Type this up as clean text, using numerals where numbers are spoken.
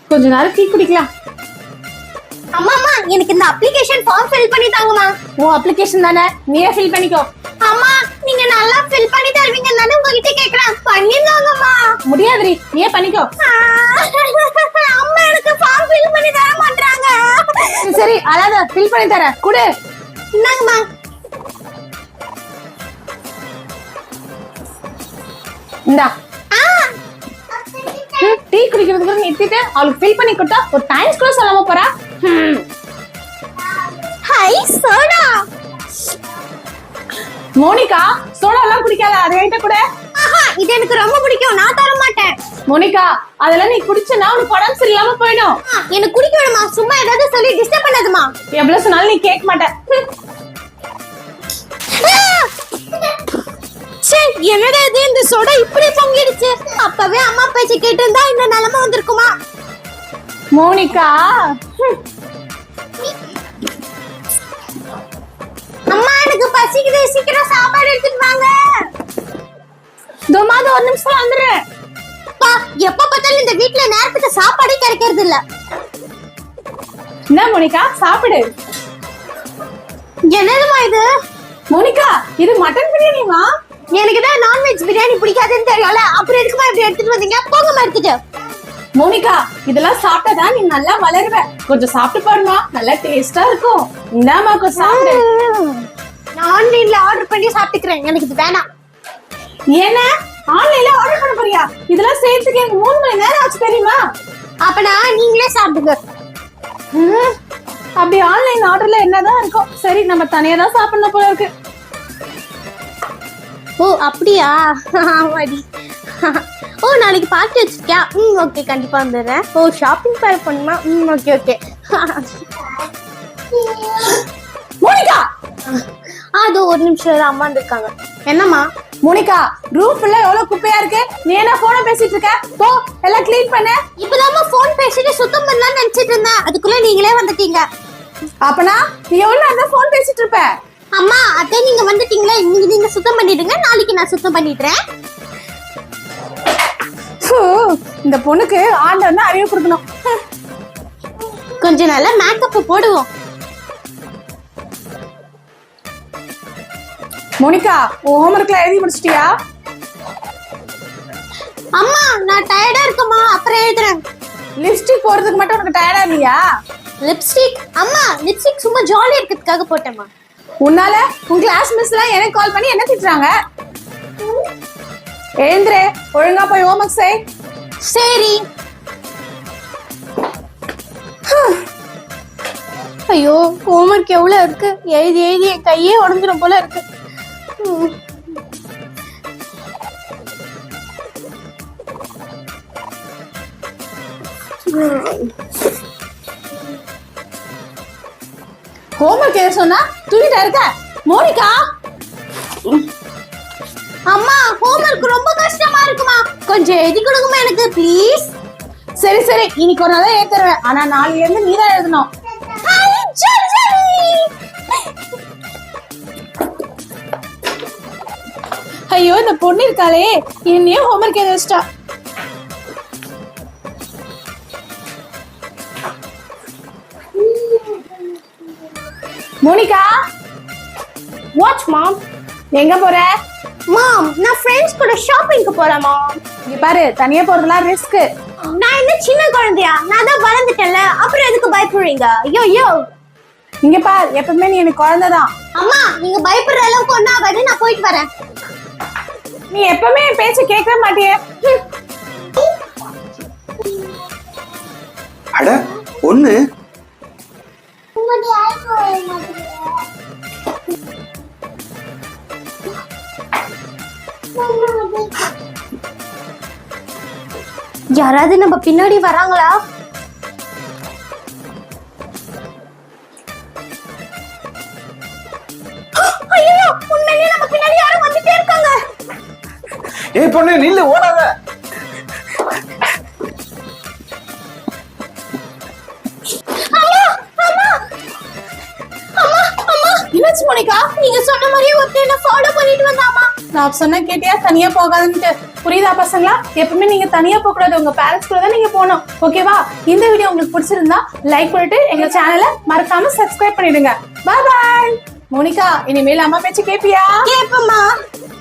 கொஞ்ச நேரம் டீ குடிக்கலாம். அம்மா எனக்கு இந்த அப்ளிகேஷன் ஃபார்ம் ஃபில் பண்ணி தாங்கம்மா. உன் அப்ளிகேஷன் தானே, நீயே ஃபில் பண்ணிக்கோ. அம்மா நீங்க நல்லா ஃபில் பண்ணி தருவீங்கன்னு தானே உங்ககிட்ட கேக்குறேன், பண்ணிருந்தாங்கம்மா. முடியாதுரி, நீயே பண்ணிக்கோ. அம்மா எனக்கு ஃபார்ம் ஃபில் பண்ணி தர மாட்டாங்க. சரி அழாத, ஃபில் பண்ணி தரேன், குடு. இந்தாங்கம்மா. இந்தா. டீ குடிக்கிறதுக்கு நிறுத்திட்டு அவளுக்கு ஃபில் பண்ணி கொடுத்தா ஒரு டைம்ஸ் கூட சொல்லாம போறா. High soda. மோனிகா, சோடா எல்லாம் குடிக்காத, அதை என்கிட்ட கூட. இது எனக்கு ரொம்ப பிடிக்கும், நான் தர மாட்டேன். மோனிகா, அதெல்லாம் நீ குடிச்சனா உனக்கு உடம்பு சரியில்லாம போயிடும். எனக்கு குடிக்க வேணுமா, சும்மா ஏதாவது சொல்லி டிஸ்டர்ப் பண்ணாதம்மா. எவ்வளவு சொன்னாலும் நீ கேட்க மாட்டேன். என்னடா இது, இந்த சோடா இப்படி பொங்கிடுச்சு. அப்பவே அம்மா பேச்சு கேட்டு இருந்தா இந்த நிலைமை வந்திருக்குமா? மோனிகா, அம்மா எனக்கு பசிக்குது, சீக்கிரம் சாப்பாடு எடுத்துட்டு வாங்க. தோமாத ஒரு நிமிஷம் வந்துடுறேன். பா, எப்ப பார்த்தாலும் இந்த வீட்ல நேரத்துக்கு சாப்பாடே கிடைக்கிறது இல்ல. என்ன மோனிகா, சாப்பிடு. என்னதுமா இது? மோனிகா, இது மட்டன் பிரியாணிமா. எனக்கு தான் நான்வெஜ் பிரியாணி பிடிக்காதுன்னு தெரியும்ல, அப்புறம் எதுக்குமா இப்படி எடுத்துட்டு வந்தீங்க? போங்கம்மா எடுத்துட்டு. மோனிகா, இதெல்லாம் சாப்பிட்டாதான் நீ நல்லா வளருவ. கொஞ்சம் சாப்பிட்டு பாருமா, நல்லா டேஸ்டா இருக்கும். இந்தாமா கொஞ்சம் சாப்பிடு. நான் ஆன்லைன்ல ஆர்டர் பண்ணி சாப்பிட்டுக்கிறேன், எனக்கு இது வேணாம். ஏன்னா ஆன்லைன்ல ஆர்டர் பண்ண போறியா? இதெல்லாம் சேர்த்துக்கு எனக்கு 3 மணி நேரம் ஆச்சு தெரியுமா? அப்பனா நீங்களே சாப்பிடுங்க. அப்படி ஆன்லைன் ஆர்டர்ல என்னதான் இருக்கும்? சரி, நம்ம தனியா தான் சாப்பிடணும் போல இருக்கு. ஓ அப்படியா? ஆமாடி. ஓ நாளைக்கு பார்ட்டி வச்சிருக்கியா? ஓகே, கண்டிப்பா வந்துடுறேன். ஓ ஷாப்பிங் பேர் பண்ணுமா? Okay okay. மோனிகா, அது ஒரு நிமிஷம் அம்மா வந்திருக்காங்க. என்னம்மா? மோனிகா, ரூம் ஃபுல்லா எவ்வளவு குப்பையா இருக்கு. நீ என்ன போன பேசிட்டு இருக்க? போ, எல்லாம் க்ளீன் பண்ணு. இப்பதாம்மா போன் பேசிட்டு சுத்தம் பண்ணலாம்னு நினைச்சிட்டு இருந்தேன், அதுக்குள்ள நீங்களே வந்துட்டீங்க. அப்பனா நீ எவ்வளவு நேரம் போன் பேசிட்டு இருப்ப? அம்மா அதே நீங்க வந்துட்டீங்களா, இன்னைக்கு நீங்க சுத்தம் பண்ணிடுங்க, நாளைக்கு நான் சுத்தம் பண்ணிடுறேன். இந்த பொண்ணுக்கு ஆண்டவன் தான் அறிவு கொடுக்கணும். கொஞ்சம் நல்லா மேக்கப் போடுவோம். மோனிகா, உன் ஹோம்வொர்க்ல எழுதி முடிச்சிட்டியா? அம்மா நான் டயர்டா இருக்கேம்மா, அப்புறம் எழுதுறேன். லிப்ஸ்டிக் போடுறதுக்கு மட்டும் உனக்கு டயர்டா இல்லையா? லிப்ஸ்டிக்? அம்மா லிப்ஸ்டிக் சும்மா ஜாலியா இருக்கிறதுக்காக போட்டேம்மா. உன்னால உன் கிளாஸ் மிஸ் எல்லாம் எனக்கு கால் பண்ணி என்ன திட்டுறாங்க? எழுந்துரு, ஒழுங்கா போய் ஹோம்வொர்க் செய். சரி. ஐயோ ஹோம்வொர்க் எவ்வளவு இருக்கு, எழுதி எழுதி என் கையே உடஞ்சிடும் போல இருக்கு. ஹோம்வொர்க் எதை சொன்னா தூங்கிட்டா இருக்க? மோனிகா, அம்மா ஹோம்வொர்க் ரொம்ப கஷ்டமா இருக்குமா, கொஞ்சம் எழுதி கொடுங்கம்மா எனக்கு ப்ளீஸ். சரி சரி, இன்னைக்கு ஒரு நாள் ஏத்துறேன், ஆனா நாளையில இருந்து நீ தான் எழுதணும். ஐயோ, இந்த பொண்ணு இருக்காளே, என்னையும் ஹோம்வொர்க் எழுத வச்சிட்டா. மோனிகா, வாட்ச் மாம். எங்க போற? மாம் நான் ஃப்ரெண்ட்ஸ் கூட ஷாப்பிங்க்கு போறேன் மாம். இங்க பாரு, தனியா போறதுலாம் ரிஸ்க். நான் என்ன சின்ன குழந்தையா? நான் தான் வளர்ந்துட்டேன்ல, அப்புறம் எதுக்கு பயப்படுறீங்க? ஐயோ ஐயோ. இங்க பாரு, எப்பவுமே நீ எனக்கு குழந்தைதான். அம்மா நீங்க பயப்படுற அளவுக்கு ஒண்ணா ஆகாது, நான் போயிட்டு வரேன். நீ எப்பவுமே என் பேச்ச கேட்கவே மாட்டியே. அட பொண்ணு, யாராவது நம்ம பின்னாடி வராங்களா? ஐயோ உண்மையிலேயே நம்ம பின்னாடி யாரும் வந்துட்டே இருக்காங்க. ஏய் பொண்ணு நில்லு, ஓடாத. என்னாச்சு மோனிகா? நீங்க சொன்ன மாதிரியே ஒருத்தர் என்ன ஃபாலோ பண்ணிட்டு வந்தாமா. நான் சொன்ன கேட்டியா, தனியா போகாதுன்ட்டு. புரியுதா பசங்களா? எப்பவுமே நீங்க தனியா போக கூடாது, உங்க பேரண்ட்ஸ் கூட தான் நீங்க போகணும். ஓகேவா? இந்த வீடியோ உங்களுக்கு பிடிச்சிருந்தா லைக் பண்ணிட்டு எங்க சேனலை மறக்காம சப்ஸ்கிரைப் பண்ணிடுங்க. பாய் பாய். மோனிகா, இனிமேல் அம்மா பேச்சு கேப்பியா? கேப்பமா.